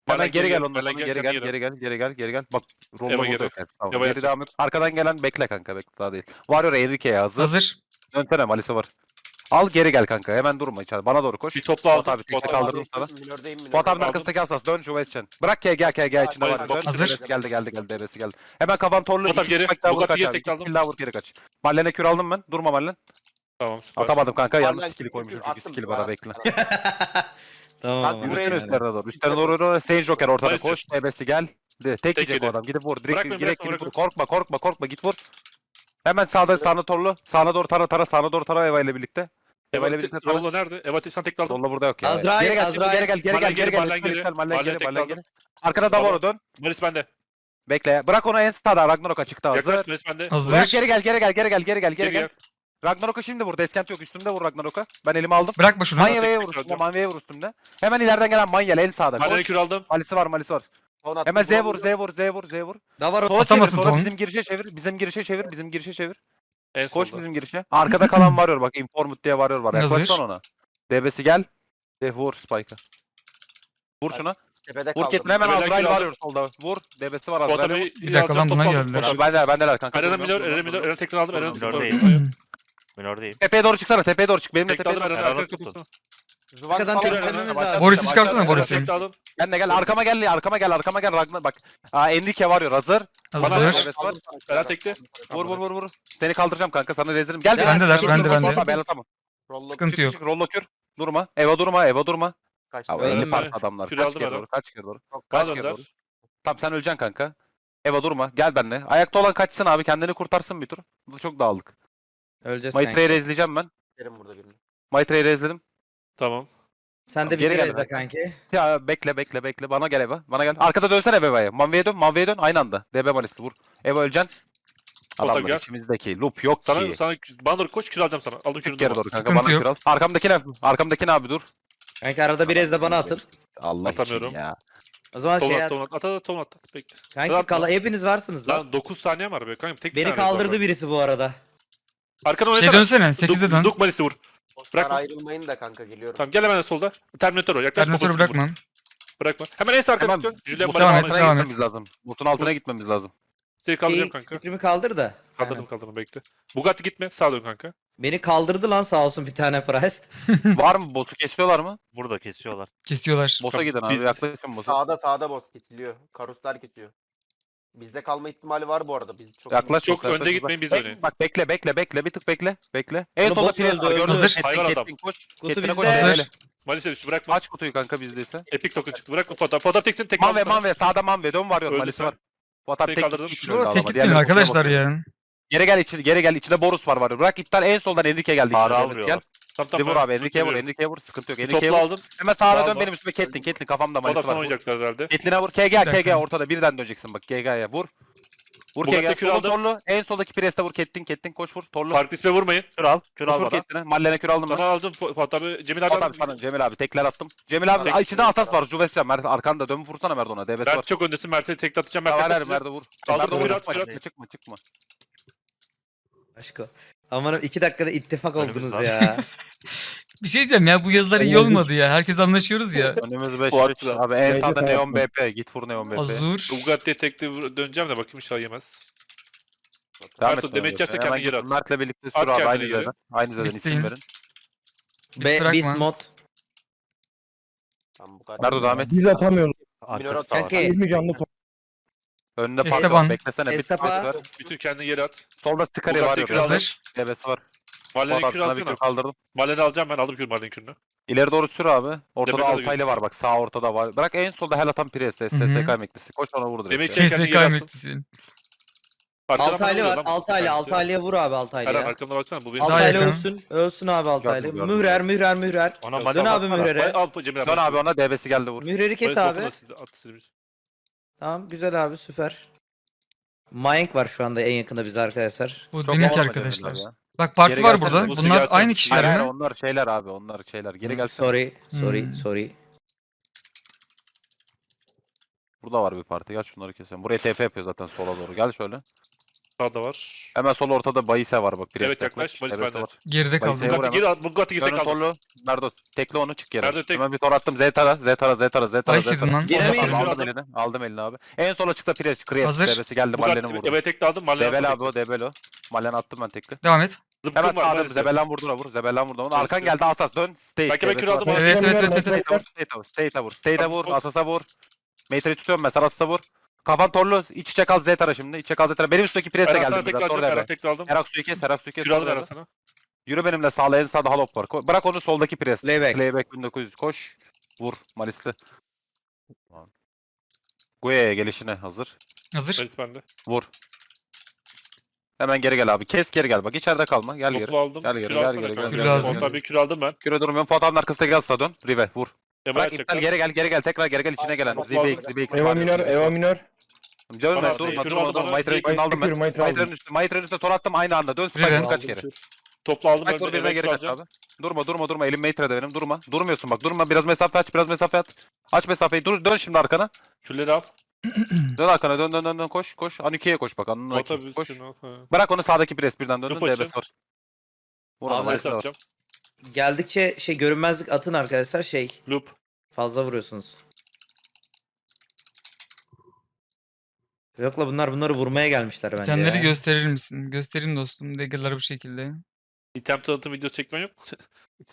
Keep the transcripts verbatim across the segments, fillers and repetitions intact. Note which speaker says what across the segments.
Speaker 1: Hemen geri gel ondan
Speaker 2: Belen
Speaker 1: sonra geri gel
Speaker 2: geri.
Speaker 1: geri gel geri gel geri gel. Bak
Speaker 2: Eva
Speaker 1: rollo burada
Speaker 2: geri.
Speaker 1: yok. yani. Tamam.
Speaker 2: Eva
Speaker 1: Geri
Speaker 2: yatacak.
Speaker 1: devam et. Arkadan gelen bekle kanka bekle daha değil. Warrior Enrique'ye hazır.
Speaker 3: Hazır.
Speaker 1: Dönsene Malisi var. Al geri gel kanka hemen durma içeride. Bana doğru koş.
Speaker 2: Bir topla
Speaker 1: Fuat
Speaker 2: aldım.
Speaker 1: abi tekte
Speaker 2: Fuat
Speaker 1: kaldırdım sana.
Speaker 4: Minördeyim
Speaker 1: Fuat
Speaker 4: minördeyim.
Speaker 1: abinin arkasındaki asas dön şu Westchen. Bırak K G K G içinde
Speaker 2: Hayır,
Speaker 1: var.
Speaker 2: bak-
Speaker 1: Dön.
Speaker 3: Hazır.
Speaker 1: Devesi Geldi geldi geldi devesi geldi. Hemen kafan torlu.
Speaker 2: Fuat abi
Speaker 1: iki
Speaker 2: geri.
Speaker 1: kill daha vur
Speaker 2: Bugatti
Speaker 1: kaç
Speaker 2: geri
Speaker 1: abi.
Speaker 2: tek
Speaker 1: İki
Speaker 2: aldım.
Speaker 1: kill daha vur geri kaç. Mallen'e kür aldım ben. Durma Mallen.
Speaker 2: Tamam süper.
Speaker 1: Atamadım kanka. Yanlış
Speaker 4: Mallen
Speaker 1: skill'i
Speaker 4: kür,
Speaker 1: koymuşum
Speaker 4: kür,
Speaker 1: çünkü
Speaker 4: attım.
Speaker 1: skill'i bana bekle.
Speaker 3: Tamam.
Speaker 4: Bak,
Speaker 3: ama
Speaker 4: buraya
Speaker 1: Üstlerine
Speaker 3: yani.
Speaker 1: üstlerine doğru. Üstlerine doğru doğru. Sage Joker ortada
Speaker 2: Maalesef.
Speaker 1: koş. Devesi gel. De, tek yiyecek o
Speaker 2: yedi.
Speaker 1: adam. Gidip vur. Direkt
Speaker 2: Bırakma,
Speaker 1: direkt
Speaker 2: bırakma,
Speaker 1: gidip vur.
Speaker 2: bırakma.
Speaker 1: Korkma korkma korkma git vur. Hemen sağda sağına torlu. Sağına doğru tara tara. Sağına doğru tara Eva ile birlikte. Eva ile birlikte tara.
Speaker 2: Rollo nerede? Eva sen tekte aldım.
Speaker 1: Solla burada yok ya.
Speaker 3: Azrail,
Speaker 1: Geri gel,
Speaker 3: Azrail.
Speaker 1: geri gel, geri gel,
Speaker 2: Mallen
Speaker 1: geri
Speaker 2: geri,
Speaker 1: gel.
Speaker 2: Mallen
Speaker 1: Lütfen,
Speaker 2: geri.
Speaker 1: lütfen, Mallen
Speaker 2: Mallen
Speaker 1: geri,
Speaker 2: tekte
Speaker 1: Mallen
Speaker 2: aldım.
Speaker 1: geri. Arkada Davoro dön.
Speaker 2: Maris bende.
Speaker 1: Bekle. Bırak ona en stada. Ragnarok açıkta hazır.
Speaker 2: Yaklaş Maris bende.
Speaker 1: Bırak
Speaker 3: Hazır.
Speaker 1: geri gel, geri gel, geri gel, geri gel, geri
Speaker 2: Geri
Speaker 1: gel.
Speaker 2: gel.
Speaker 1: Ragnarok'a şimdi vur. Deskent yok. Üstümde vur Ragnarok'a. Ben elimi aldım.
Speaker 3: Bırakma şunu.
Speaker 1: Manya'ya vur
Speaker 2: tekrar
Speaker 1: üstümde.
Speaker 2: atıyorum.
Speaker 1: Manya'ya vur üstümde. Hemen ileriden gelen Manya'l en sağda.
Speaker 2: Mallen'e
Speaker 1: Koş.
Speaker 2: kür aldım.
Speaker 1: Malisi var, malisi var.
Speaker 4: Son attım,
Speaker 1: Hemen Z
Speaker 4: buram
Speaker 1: vur,
Speaker 4: yok.
Speaker 1: Z vur, Z vur, Z vur.
Speaker 3: Da var.
Speaker 1: Sola
Speaker 3: Atamasın
Speaker 1: çevir, sonra
Speaker 3: ton.
Speaker 1: bizim girişe çevir. Bizim girişe çevir, bizim girişe çevir.
Speaker 2: En
Speaker 1: Koş
Speaker 2: solda.
Speaker 1: bizim girişe. Arkada kalan varıyor bak. Informut diye varıyor var.
Speaker 3: Hazır.
Speaker 1: Yaklaşsan ona. Debesi gel. De vur Spike'a. Vur şuna.
Speaker 4: Tepede
Speaker 1: Vur
Speaker 4: kaldım.
Speaker 1: ketine hemen
Speaker 2: Tepeden
Speaker 1: Azrail
Speaker 2: kill aldım.
Speaker 1: varıyor solda. Vur. Debesi var
Speaker 2: Fuat
Speaker 1: Azrail'e
Speaker 2: abi
Speaker 1: vur.
Speaker 3: Bir dakika lan, buna geldiler.
Speaker 1: Abi bendeler bendeler kanka.
Speaker 2: Eren
Speaker 1: Durma,
Speaker 2: Minör,
Speaker 1: durma,
Speaker 2: Eren Minör,
Speaker 1: durma.
Speaker 2: Eren tekten aldım. Eren
Speaker 5: Minördeyim. Minördeyim.
Speaker 1: Tepeye doğru çıksana tepeye doğru çık. Benimle
Speaker 2: Tekte
Speaker 1: tepeye
Speaker 2: aldım
Speaker 1: doğru.
Speaker 2: Eren.
Speaker 5: Eren
Speaker 2: Arkaya
Speaker 5: tutun.
Speaker 2: tutsana.
Speaker 4: Zıvan
Speaker 3: Arkadan
Speaker 4: falan
Speaker 3: tekrar
Speaker 4: var.
Speaker 3: önümüz
Speaker 4: Başla-
Speaker 3: lazım. Boris'i çıkarsana,
Speaker 4: başla-
Speaker 3: Boris'i.
Speaker 2: Tekte aldım.
Speaker 1: Gel de gel arkama gel arkama gel arkama gel Ragnar bak. Aa Enrique varıyor hazır.
Speaker 2: Bana
Speaker 3: Hazır.
Speaker 1: Evet, var.
Speaker 2: Eren tekte.
Speaker 1: Vur vur vur vur. Seni kaldıracağım kanka sana rezilirim. Gel
Speaker 3: Bendeler,
Speaker 1: Çık,
Speaker 3: bende,
Speaker 1: çık,
Speaker 3: bende.
Speaker 1: çık, Ben atamam.
Speaker 4: Rollo-
Speaker 3: Sıkıntı
Speaker 1: Çık
Speaker 3: yok.
Speaker 1: çık rollo kür. Durma. Eva durma Eva durma.
Speaker 4: Kaçtı.
Speaker 1: Abi
Speaker 2: Öyle
Speaker 1: elli
Speaker 2: mi?
Speaker 1: farklı adamlar.
Speaker 2: Kür
Speaker 1: Kaç
Speaker 2: aldım
Speaker 1: kere
Speaker 2: Eren.
Speaker 1: doğru kaç kere doğru.
Speaker 4: Çok
Speaker 1: Kaç
Speaker 2: Bana
Speaker 1: kere
Speaker 2: dönder.
Speaker 1: doğru. Tamam sen öleceksin kanka. Eva durma gel benimle. Ayakta olan kaçsın abi kendini kurtarsın bir tur. Bu çok dağıldık.
Speaker 3: Öleceğiz
Speaker 1: Maitreyi
Speaker 3: kanka.
Speaker 1: rezleyeceğim ben.
Speaker 4: Derim burada birini.
Speaker 1: Maitreyi rezledim.
Speaker 2: Tamam.
Speaker 3: Sen de
Speaker 1: Geri
Speaker 3: bizi
Speaker 1: gel
Speaker 3: rezle
Speaker 1: kanka.
Speaker 3: kanki.
Speaker 1: Ya bekle bekle bekle. Bana gel Eva. Bana gel. Arkada dönsene Eva'ya. Manve'ye dön. Manve'ye dön. Aynı anda. D B Malis'te vur. Eva öleceksin.
Speaker 2: Foto
Speaker 1: Adamlar
Speaker 2: gel.
Speaker 1: içimizdeki. Loop yok
Speaker 2: Sana,
Speaker 1: ki.
Speaker 2: sana bana doğru koş kür alacağım sana. Aldım kürünü.
Speaker 1: Çık geri doğru kanka.
Speaker 3: Sıkıntı
Speaker 1: Bana
Speaker 3: yok.
Speaker 1: kral. Arkamdakine. Arkamdakine abi dur.
Speaker 3: Kanka arada bir rezle bana atın.
Speaker 1: Allah
Speaker 2: Atamıyorum.
Speaker 1: için ya.
Speaker 3: O zaman
Speaker 2: Ton
Speaker 3: şey
Speaker 2: at,
Speaker 3: at.
Speaker 2: ton at. At, at, ton at. at. Bekle.
Speaker 3: Kanki
Speaker 2: Atma.
Speaker 3: kala hepiniz varsınız lan.
Speaker 2: Lan dokuz saniye var be kanka. Tek bir
Speaker 3: Beni
Speaker 2: tane var
Speaker 3: kaldırdı
Speaker 2: bak.
Speaker 3: birisi bu arada.
Speaker 2: Arkana
Speaker 3: Şey
Speaker 2: oynasana.
Speaker 3: dönsene. sekize dön.
Speaker 2: Duk Malis'i vur.
Speaker 4: Osman
Speaker 2: Bırakma.
Speaker 4: ayrılmayın da kanka geliyorum.
Speaker 2: Tamam gel hemen solda. Terminator o. Yaklaş.
Speaker 3: Terminatörü
Speaker 2: babasını vur.
Speaker 3: bırakma.
Speaker 2: Bırakma. Hemen en sağ arkaya
Speaker 1: Hemen
Speaker 2: tutuyorsun. Julian
Speaker 1: Botun
Speaker 3: Devam et,
Speaker 2: Bala'nı
Speaker 1: altına
Speaker 3: devam et.
Speaker 1: gitmemiz lazım. Botun altına gitmemiz lazım.
Speaker 2: Seni kaldıracağım
Speaker 3: Şey,
Speaker 2: kanka.
Speaker 3: stream'i kaldır da.
Speaker 2: Kaldırdım
Speaker 3: Aynen.
Speaker 2: kaldırdım bekle. Bugatti gitme. Sağa dön kanka.
Speaker 3: Beni kaldırdı lan sağ olsun bir tane Priest.
Speaker 1: Var mı? Botu kesiyorlar mı?
Speaker 5: Burada kesiyorlar.
Speaker 3: Kesiyorlar.
Speaker 1: Boss'a
Speaker 2: Tamam,
Speaker 1: gidin abi.
Speaker 2: biz-
Speaker 1: Yaklaşın boss'a.
Speaker 4: Sağda sağda boss kesiliyor. Karuslar kesiyor. Bizde kalma ihtimali var bu arada. Biz çok
Speaker 1: Yaklaş
Speaker 2: Çok
Speaker 1: boss'a, yaklaş
Speaker 2: önde
Speaker 1: boss'a.
Speaker 2: gitmeyin, biz
Speaker 1: Bek-
Speaker 2: oynayın.
Speaker 1: Bak bekle bekle bekle. Bir tık bekle. Bekle. En
Speaker 3: Bunu
Speaker 1: solda
Speaker 3: boss
Speaker 1: Pires
Speaker 3: öldü,
Speaker 1: var.
Speaker 3: öldü.
Speaker 1: Gördün mü?
Speaker 3: Hazır.
Speaker 1: Kettin,
Speaker 2: Hayvan adam.
Speaker 1: Kettin, koş.
Speaker 3: Kutu
Speaker 1: Kettin'e
Speaker 3: bizde.
Speaker 1: koş.
Speaker 3: Hazır.
Speaker 1: Böyle.
Speaker 2: Malis'e düştü bırakma.
Speaker 1: Aç kutuyu kanka bizdeyse.
Speaker 2: Epic token çıktı. Bırakma fotoğraf. Fotoğraf teksin tek
Speaker 1: Manve
Speaker 2: aldım sana.
Speaker 1: Manve sağda Manve dön varıyor.
Speaker 2: Öldü
Speaker 1: Malisi
Speaker 2: sen.
Speaker 1: var. Bu atak
Speaker 2: Seni
Speaker 1: tek
Speaker 2: kaldırdım.
Speaker 1: gitmiş
Speaker 3: Şurada
Speaker 1: durumda
Speaker 3: tek
Speaker 1: ama.
Speaker 3: gitmeyin
Speaker 1: Diğerleri boss'a
Speaker 3: arkadaşlar
Speaker 1: bakıyor.
Speaker 3: ya.
Speaker 1: Geri gel içine geri gel. İçinde Borus var var. Bırak iptal en soldan Enrique geldi.
Speaker 5: Ara
Speaker 1: içine.
Speaker 5: vuruyorlar.
Speaker 1: Gel.
Speaker 2: Tamam
Speaker 1: Bir
Speaker 2: tamam.
Speaker 1: vur
Speaker 2: ben
Speaker 1: abi. Enrique'ye vur.
Speaker 2: tutuyorum.
Speaker 1: Enrique'ye vur. Sıkıntı yok. Enrique'ye
Speaker 2: Topla
Speaker 1: vur.
Speaker 2: aldım.
Speaker 1: Hemen sağına
Speaker 2: Bravo.
Speaker 1: dön benim üstüme Kettin. Kettin kafamda
Speaker 2: Fotoğraf
Speaker 1: Malisi
Speaker 2: sana
Speaker 1: var. Vur.
Speaker 2: oynayacaklar herhalde.
Speaker 1: Kettin'e vur. K G
Speaker 3: Bir
Speaker 1: K
Speaker 3: dakika.
Speaker 1: G ortada birden döneceksin bak. K G'ye vur. Vur
Speaker 2: Bugatti
Speaker 1: K G.
Speaker 2: kür
Speaker 1: Torlu
Speaker 2: aldım.
Speaker 1: torlu. En soldaki Priest'e vur. Kettin Kettin koş vur. Torlu.
Speaker 2: Farklı isme vurmayın.
Speaker 5: Kür al. Kür
Speaker 1: Koş
Speaker 5: al
Speaker 1: vur
Speaker 5: bana.
Speaker 1: Kettin'e. Mallen'e kür aldım ben.
Speaker 2: Sana aldım. Fu- Fuat abi. Cemil abi
Speaker 1: Fuat abi
Speaker 2: aldım.
Speaker 1: sana Cemil abi tekler attım. Cemil abi
Speaker 2: Tek-
Speaker 1: ay, içinde atas var. Juvescan Mert arkanda dön vursana Mert ona. Devesi var.
Speaker 2: Mert çok öndesin. Mert'e tek atacağım. Mert'e
Speaker 1: Ver ver
Speaker 2: atacağım.
Speaker 1: Mert'e vur.
Speaker 2: Aldım,
Speaker 1: Mert'e vur.
Speaker 2: kür at,
Speaker 1: Çıkma
Speaker 2: kür at.
Speaker 1: çıkma çıkma çıkma.
Speaker 3: Aşko. Aman iki dakikada ittifak
Speaker 5: Önümüz
Speaker 3: oldunuz
Speaker 5: var.
Speaker 3: ya. Bir şey diyeceğim ya bu yazılar iyi olmadı ya. Herkes anlaşıyoruz ya.
Speaker 1: Önümüz beş
Speaker 2: Fuat
Speaker 1: beş.
Speaker 2: da.
Speaker 1: Abi en
Speaker 6: Bence
Speaker 1: sağda
Speaker 6: Fuat
Speaker 1: Neon
Speaker 6: da.
Speaker 1: B P. Git vur Neon B P.
Speaker 3: Azur.
Speaker 2: Bugatti'ye tekli vur- döneceğim de bakayım inşallah yemez.
Speaker 1: Devam
Speaker 2: Mert,
Speaker 1: et
Speaker 2: demet
Speaker 1: Neon B P'ye.
Speaker 2: yerse kendini
Speaker 1: Hemen
Speaker 2: geri
Speaker 1: git,
Speaker 2: at.
Speaker 1: Mert'le birlikte
Speaker 2: At
Speaker 1: sür abi.
Speaker 2: kendini
Speaker 1: Aynı
Speaker 2: geri.
Speaker 1: zeden. Aynı zeden
Speaker 3: Bitsin.
Speaker 1: isim verin.
Speaker 3: Be
Speaker 6: bırakma.
Speaker 3: Beast mod.
Speaker 4: Tamam bu kadar.
Speaker 1: Merdo devam et.
Speaker 6: Biz atamıyoruz.
Speaker 4: Minor
Speaker 5: Arkası da var.
Speaker 3: Kanki.
Speaker 6: yirmi canlı top.
Speaker 1: Önünde
Speaker 3: Esteban.
Speaker 1: park var. Beklesene. Bir
Speaker 3: Esteban.
Speaker 1: tık var.
Speaker 2: Bütün kendini geri at.
Speaker 1: Solda Skari
Speaker 2: Bugatti
Speaker 1: var. yok.
Speaker 2: kür aldım.
Speaker 3: Hazır.
Speaker 1: Devesi var.
Speaker 2: Mahallenin
Speaker 1: Fuat
Speaker 2: kürü
Speaker 1: abi sana bir
Speaker 2: alsana.
Speaker 1: kür kaldırdım.
Speaker 2: Mahallenin alacağım ben. Aldım kür mahallenin kürünü.
Speaker 1: İleri doğru sür abi. Ortada
Speaker 2: Demet de
Speaker 1: Altaylı var bak. Sağ ortada var. Bırak en solda hel atan Pires. S S K emeklisi. Koş ona vur direkt.
Speaker 2: Demet
Speaker 1: ya.
Speaker 2: Çek kendini
Speaker 3: S S K
Speaker 2: geri atsın.
Speaker 3: emeklisi.
Speaker 2: Arkadan
Speaker 3: Altaylı
Speaker 2: bana
Speaker 3: var.
Speaker 2: vuruyor lan.
Speaker 3: Altaylı.
Speaker 2: Hangisi?
Speaker 3: Altaylı'ya vur abi
Speaker 2: Eren
Speaker 3: Altaylı'ya.
Speaker 2: arkamda baksana bu benim.
Speaker 3: Altaylı yakın. ölsün. Ölsün abi Altaylı.
Speaker 1: Gördüm, gördüm.
Speaker 3: Mührer, mührer, mührer.
Speaker 5: Ona
Speaker 2: Dön
Speaker 5: bana
Speaker 3: Dön abi
Speaker 5: baksana.
Speaker 3: mührere.
Speaker 2: Al Cemil abi.
Speaker 1: Dön abi ona D B'si geldi vur.
Speaker 3: Mühreri kes
Speaker 2: Böyle
Speaker 3: abi.
Speaker 2: sofuna sildi, attı silmiş.
Speaker 3: Tamam güzel abi süper. Mayank var şu anda en yakında bize arkadaşlar.
Speaker 6: Bu
Speaker 1: Çok
Speaker 6: demek
Speaker 1: olmadı
Speaker 6: arkadaşlar.
Speaker 1: Cemil abi ya.
Speaker 6: Bak parti
Speaker 1: Geri
Speaker 6: var
Speaker 1: gelsene,
Speaker 6: burada.
Speaker 1: bu
Speaker 6: Bunlar
Speaker 2: gelsene.
Speaker 6: aynı kişiler
Speaker 1: Hayır, hayır,
Speaker 6: mi?
Speaker 1: onlar şeyler abi onlar şeyler. Geri
Speaker 3: Hı,
Speaker 1: gelsene.
Speaker 3: Sorry, sorry,
Speaker 6: Hmm.
Speaker 3: sorry.
Speaker 1: Burada var bir parti. Gel şunları keselim. Buraya T P yapıyor zaten sola doğru. Gel şöyle.
Speaker 2: Sağda var.
Speaker 1: Hemen sol ortada Bayise var bak. Priest
Speaker 2: Evet, yaklaş, Bayise bende.
Speaker 1: var.
Speaker 6: Geride
Speaker 1: Bayise
Speaker 6: kaldım.
Speaker 1: vur
Speaker 2: Bugatti
Speaker 1: hemen.
Speaker 2: geri al. Bugatti geri
Speaker 1: Dönün
Speaker 2: kaldı.
Speaker 1: torlu. Merdo. Tekle onu çık geri.
Speaker 2: Merdo tek.
Speaker 1: Hemen bir tor attım. Z tara. Z tara. Z tara. Z tara.
Speaker 6: Bayis
Speaker 1: Z
Speaker 6: yedim
Speaker 1: tara.
Speaker 6: lan.
Speaker 3: Yine mi
Speaker 6: Aferin.
Speaker 3: yedin?
Speaker 1: Aldım elini. Aldım elini abi. En sola çıktı Priest. Kriyet.
Speaker 6: Hazır.
Speaker 1: Debesi geldi. Mallen'i
Speaker 2: Bugatti
Speaker 1: vurdu.
Speaker 2: evet tek aldım. Mallen
Speaker 1: Zebel abi o. Debel o. Mallen attım ben tekli.
Speaker 6: Devam et.
Speaker 1: Hemen
Speaker 2: Zıpkın var.
Speaker 1: sağda
Speaker 2: Maalesef.
Speaker 1: Zebel'den vurdura vur. Zebel'den vurdu. Onun arkan geldi Asas. Dön. Stay.
Speaker 2: Belki ben
Speaker 1: Debesi
Speaker 2: kür aldım
Speaker 1: var.
Speaker 2: onu.
Speaker 6: Evet evet evet evet.
Speaker 1: State'e vur. State'e vur. State'e vur. State'e vur. Asas'a vur. Matrix'i tutuyorum ben. Saras'a vur. Kafan torlu. İç içe kal Z tara şimdi. İç içe kal Z tara. Benim üstteki Priest'e
Speaker 2: Eren
Speaker 1: geldi
Speaker 2: sana
Speaker 1: biraz.
Speaker 2: tekrar
Speaker 1: Sonra
Speaker 2: alacağım.
Speaker 1: debe.
Speaker 2: Eren tekrar aldım.
Speaker 1: Erak suyu kes. Erak suyu kes.
Speaker 2: Kür aldım
Speaker 1: sonra
Speaker 2: Eren
Speaker 1: debe.
Speaker 2: sana.
Speaker 1: Yürü benimle sağla en sağda Halop var. Ko- Bırak onu soldaki pres.
Speaker 3: Playback.
Speaker 1: Playback bin dokuz yüz koş. Vur Malisli. Guye'ye gelişine hazır.
Speaker 6: Hazır.
Speaker 2: Malis bende.
Speaker 1: Vur. Hemen geri gel abi. Kes geri gel bak. İçeride kalma. Gel geri.
Speaker 2: Toplu aldım.
Speaker 1: Gel geri,
Speaker 2: Kür
Speaker 1: gel
Speaker 2: alsana
Speaker 1: geri,
Speaker 2: kanka.
Speaker 1: gel
Speaker 6: geri. Kür lazım.
Speaker 2: Ondan bir kür aldım ben.
Speaker 1: Küre durmuyorum. Fuat'ın arkasına gel sağa dön. Rive vur.
Speaker 2: Ema
Speaker 1: Bırak iptal
Speaker 2: yapacaklar.
Speaker 1: geri gel geri gel. Tekrar geri gel içine gelen.
Speaker 2: Toplu
Speaker 1: Z B X
Speaker 2: aldım.
Speaker 1: Z B X.
Speaker 7: Eva minör, Eva minör.
Speaker 1: Dönme
Speaker 2: Bana
Speaker 1: durma
Speaker 2: kür
Speaker 1: durma
Speaker 2: aldı
Speaker 1: durma.
Speaker 2: bana.
Speaker 1: Maitre üstüne aldım ben.
Speaker 7: Kür, Maitre
Speaker 1: Maitre'nin
Speaker 7: aldım.
Speaker 1: üstüne. Maitre'nin üstüne tor attım aynı anda. Dön
Speaker 6: Rive.
Speaker 1: spike kaç kere.
Speaker 2: Toplu aldım
Speaker 1: Spike
Speaker 2: ben.
Speaker 1: vur
Speaker 2: de.
Speaker 1: birine
Speaker 2: Evet,
Speaker 1: geri
Speaker 2: kür
Speaker 1: kaç
Speaker 2: alacağım.
Speaker 1: abi. Durma durma durma. Elim Maitre'de benim. Durma. Durmuyorsun bak. Durma. Biraz mesafe aç. Biraz mesafe at. Aç mesafeyi. Dur dön şimdi arkana.
Speaker 2: Kürleri al.
Speaker 1: Dön arkana dön dön dön dön koş koş. Anuki'ye koş bak. Anuki
Speaker 2: Otobüs
Speaker 1: koş.
Speaker 2: kürünü al. Ha.
Speaker 1: Bırak onu sağdaki pres birden döndün.
Speaker 2: Yok açı.
Speaker 1: D B'si var. Vur
Speaker 3: Abi,
Speaker 1: ona
Speaker 2: Malis
Speaker 1: Malis var.
Speaker 2: atacağım.
Speaker 3: Geldikçe şey görünmezlik atın arkadaşlar şey.
Speaker 2: Loop.
Speaker 3: Fazla vuruyorsunuz. Yokla bunlar bunları vurmaya gelmişler bence
Speaker 6: İtemleri
Speaker 3: ya.
Speaker 6: gösterir misin? Göstereyim dostum. Dagger'ları bu şekilde.
Speaker 2: İtem tanıtım video çekmen yok mu?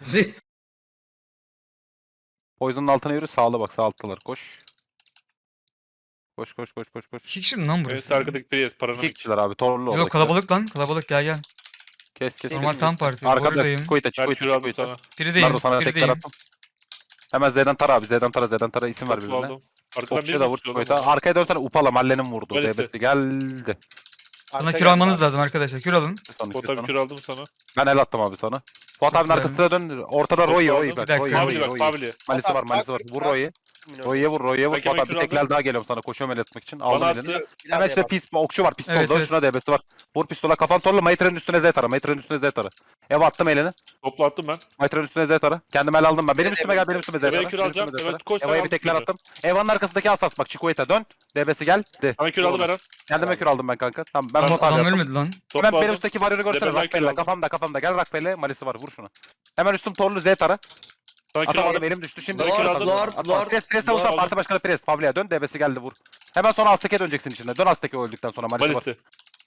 Speaker 1: Poison'un altına yürü. Sağla bak. Sağ alttalar. Koş. Koş koş koş koş koş.
Speaker 6: İki kişi mi lan
Speaker 2: Evet
Speaker 6: burası?
Speaker 2: arkadaki Priest paranı.
Speaker 1: İki kişiler abi. Torlu
Speaker 6: Yok
Speaker 1: oradakiler.
Speaker 6: kalabalık lan. Kalabalık gel gel.
Speaker 1: Kes kes.
Speaker 6: Normal
Speaker 1: kes.
Speaker 6: tam parti.
Speaker 1: Arkada
Speaker 6: Buradayım.
Speaker 1: Çikoyta
Speaker 2: Ben
Speaker 1: Çikoyta
Speaker 2: kür aldım
Speaker 1: Çikoyta.
Speaker 2: sana.
Speaker 6: Birideyim.
Speaker 1: Nardo sana tekrar
Speaker 6: Birideyim.
Speaker 1: attım. Hemen Z'den tara abi. Z'den tara Z'den tara isim ver
Speaker 2: Toplu
Speaker 1: birbirine.
Speaker 2: aldım. Arkadan
Speaker 1: Okçuya
Speaker 2: biri
Speaker 1: da vur
Speaker 2: mi
Speaker 1: Çikoyta.
Speaker 2: tutuyor?
Speaker 1: Arkaya dönsene Upala Malle'nin vurdu.
Speaker 2: Malisi.
Speaker 1: D B'si geldi.
Speaker 6: Bana kür almanız lazım arkadaşlar. Kür alın.
Speaker 1: Sana,
Speaker 2: Bota
Speaker 1: sana.
Speaker 2: bir kür aldım sana.
Speaker 1: Ben el attım abi sana. Fuat abinin
Speaker 6: güzel.
Speaker 1: arkasına dön. Ortada Roy Roy.
Speaker 2: Bir
Speaker 1: bak,
Speaker 6: dakika.
Speaker 1: Roy,
Speaker 6: Family
Speaker 1: Roy,
Speaker 2: Family bak
Speaker 1: Roy.
Speaker 2: family.
Speaker 1: Malisi var malisi var. Vur Roy'u. Roy'ye vur Roy'ye vur.
Speaker 2: Belki
Speaker 1: Fuat
Speaker 2: ben
Speaker 1: abi
Speaker 2: kür
Speaker 1: bir
Speaker 2: aldım.
Speaker 1: tekler daha geliyorum sana. Koşuyorum el etmek için.
Speaker 2: Bana
Speaker 1: Aldım elini.
Speaker 2: attı.
Speaker 1: Hemen işte pis okçu var. Pistol.
Speaker 6: Evet,
Speaker 1: Dön
Speaker 6: evet.
Speaker 1: şuna D B'si var. Vur pistola. Kafan torlu. Maitre'nin üstüne Z tara. Maitre'nin üstüne Z tara. Eva attım elini.
Speaker 2: Toplu attım ben.
Speaker 1: Maitre'nin üstüne Z tara. Kendim el aldım ben. Benim
Speaker 3: Evet,
Speaker 1: üstüme gel. Benim üstüme Z tara.
Speaker 2: Eva'ya kür
Speaker 1: Benim
Speaker 2: alacağım.
Speaker 1: üstüme Z tara.
Speaker 2: Evet, koş, sen
Speaker 1: Eva'ya bir
Speaker 2: al
Speaker 1: tekler
Speaker 2: kürü.
Speaker 1: attım. Eva'nın arkasındaki asas bak. Çikoyta dön. D B'si geldi.
Speaker 2: Sana kür aldım Eren.
Speaker 1: Kendime kür aldım ben kanka. Tamam ben
Speaker 6: Adam,
Speaker 1: Fuat abi
Speaker 6: adam
Speaker 1: yaptım.
Speaker 6: ölmedi lan.
Speaker 2: Toplu
Speaker 1: Hemen benim
Speaker 2: aldım.
Speaker 1: üstteki varyoru görsene.
Speaker 2: Zebelden kür
Speaker 1: Rakbelle
Speaker 2: aldım.
Speaker 1: kafamda kafamda. Gel Rakbelle. Malisi var. Vur şunu. Hemen üstüm torlu Z tara.
Speaker 2: Sana kür
Speaker 1: Atamadım
Speaker 2: aldım.
Speaker 1: elim düştü. Şimdi
Speaker 2: Lord,
Speaker 1: kür
Speaker 2: Lord,
Speaker 1: aldım.
Speaker 3: Lord,
Speaker 1: Atma.
Speaker 3: Lord.
Speaker 1: Pres pres
Speaker 2: Lord
Speaker 1: olsa
Speaker 2: aldım.
Speaker 1: parti başkanı pres. Pavli'ye dön. D B'si geldi vur. Hemen sonra Aztek'e döneceksin içinde. Dön Aztek'e öldükten sonra. Malisi var.
Speaker 2: Malisi.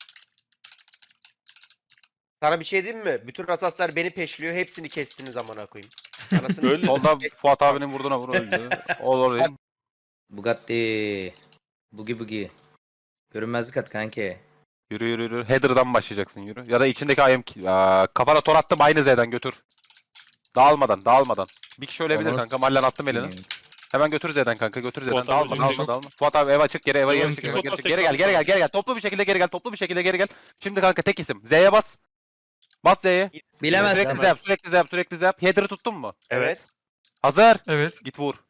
Speaker 4: Sana bir şey diyeyim mi? Bütün asaslar beni peşliyor. Hepsini kestiniz amına koyayım. Anasını
Speaker 2: Öyle.
Speaker 1: Solda Fuat abinin vurduğuna vur öldü. Olur.
Speaker 3: Bugatti. Bugi bugi. Görünmezlik at kanki.
Speaker 1: Yürü yürü yürü. Header'dan başlayacaksın yürü. Ya da içindeki I M ki- Aa, kafana tor attım aynı Z'den götür. Dağılmadan dağılmadan. Bir kişi ölebilir
Speaker 3: Onu-
Speaker 1: kanka. Mallen attım elini. Hemen götür Z'den kanka götür Z'den.
Speaker 2: Fuat abi
Speaker 1: Dağılma
Speaker 2: önünde
Speaker 1: dağılma
Speaker 2: yok.
Speaker 1: dağılma. Fuat abi eve çık geri eve geri
Speaker 6: Sıkıntı
Speaker 1: çık.
Speaker 6: yok.
Speaker 1: eve geri, çık.
Speaker 2: Fuat
Speaker 1: Geri gel geri gel geri gel. Toplu bir şekilde geri gel. Toplu bir şekilde geri gel. Şimdi kanka tek isim. Z'ye bas. Bas Z'ye.
Speaker 3: Bilemezsin.
Speaker 1: Sürekli Z yap sürekli Z yap sürekli Z yap. Header'ı tuttun mu?
Speaker 4: Evet.
Speaker 1: Hazır.
Speaker 6: Evet.
Speaker 1: Git vur.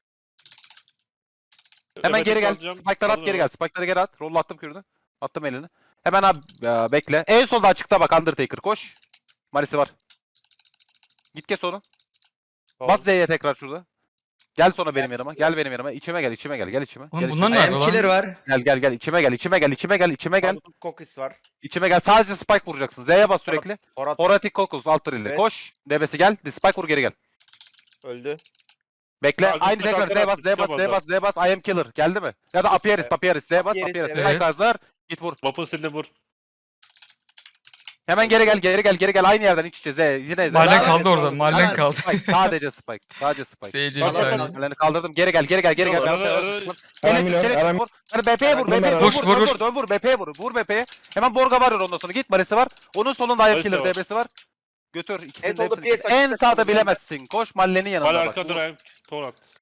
Speaker 1: Hemen
Speaker 2: Evet,
Speaker 1: geri gel.
Speaker 2: alacağım.
Speaker 1: Spike'ları at
Speaker 2: Aldım
Speaker 1: geri
Speaker 2: hemen.
Speaker 1: gel. Spike'ları geri at. Roll attım kürünü. Attım elini. Hemen abi e, bekle. En solda açıkta bak Undertaker koş. Marisi var. Git kes onu. Bas Z'ye tekrar şurada. Gel sonra benim yanıma. Gel benim yanıma. İçime gel, içime gel. Gel içime.
Speaker 6: Oğlum
Speaker 1: Gel
Speaker 6: bunlar
Speaker 1: içime.
Speaker 6: ne
Speaker 3: I am
Speaker 6: yapıyor
Speaker 3: killer
Speaker 6: lan?
Speaker 3: var.
Speaker 1: Gel gel gel. İçime gel, içime gel, içime gel, içime gel.
Speaker 4: Gel. Kokis var.
Speaker 1: İçime gel. Sadece spike vuracaksın. Z'ye bas sürekli.
Speaker 4: Horat
Speaker 1: Horatic Kokus alt ile.
Speaker 4: Evet.
Speaker 1: Koş. D B'si gel. Spike vur geri gel.
Speaker 4: öldü.
Speaker 1: Bekle.
Speaker 2: Ya,
Speaker 1: Aynı
Speaker 2: üstüne
Speaker 1: tekrar Z
Speaker 2: kalkan
Speaker 1: bas, Z bas,
Speaker 2: atacağım
Speaker 1: Z bas, Z bas. I am killer. Geldi mi? Ya da Apieris,
Speaker 4: Evet.
Speaker 1: Apieris. Z bas,
Speaker 4: Apieris,
Speaker 1: Apieris.
Speaker 4: evet.
Speaker 1: Spike hazır. Git vur.
Speaker 2: Vapun sildim vur.
Speaker 1: Hemen geri gel, geri gel, geri gel. Aynı yerden iç içe Z. Yine Z.
Speaker 6: Mahallen
Speaker 3: Devam
Speaker 6: kaldı
Speaker 3: et,
Speaker 6: orada.
Speaker 3: devam et.
Speaker 6: Mahallen
Speaker 3: Hemen.
Speaker 6: kaldı.
Speaker 1: Spike. Sadece Spike. Sadece Spike.
Speaker 6: Seyirci bir
Speaker 2: Bak, bak, bak.
Speaker 6: saniye.
Speaker 1: Ellerini kaldırdım. Geri gel, geri gel, geri gel.
Speaker 2: Yok,
Speaker 1: Ben
Speaker 2: ara-
Speaker 1: sana-
Speaker 2: ara-
Speaker 1: Keleş,
Speaker 7: Aramıyor,
Speaker 1: keleş,
Speaker 7: aram-
Speaker 1: vur. Hadi B P'ye vur, B P'ye vur.
Speaker 6: Vur,
Speaker 1: Vur,
Speaker 6: vur,
Speaker 1: vur,
Speaker 6: vur.
Speaker 1: Dön vur, B P'ye vur. Vur B P'ye. Hemen Borga var ondan sonra. Git Marisi var. Onun solunda I am
Speaker 2: Marisi
Speaker 1: killer
Speaker 2: var.
Speaker 1: D B'si var. Götür. İkisini
Speaker 4: En
Speaker 1: de
Speaker 4: solda
Speaker 1: hepsini.
Speaker 4: Priest
Speaker 1: En
Speaker 4: açıkta
Speaker 1: sağda
Speaker 4: kaldı.
Speaker 1: bilemezsin. Koş Mallen'in yanına
Speaker 2: Hala
Speaker 1: bak.
Speaker 2: arkada
Speaker 1: Vur.
Speaker 2: durayım. Tor at.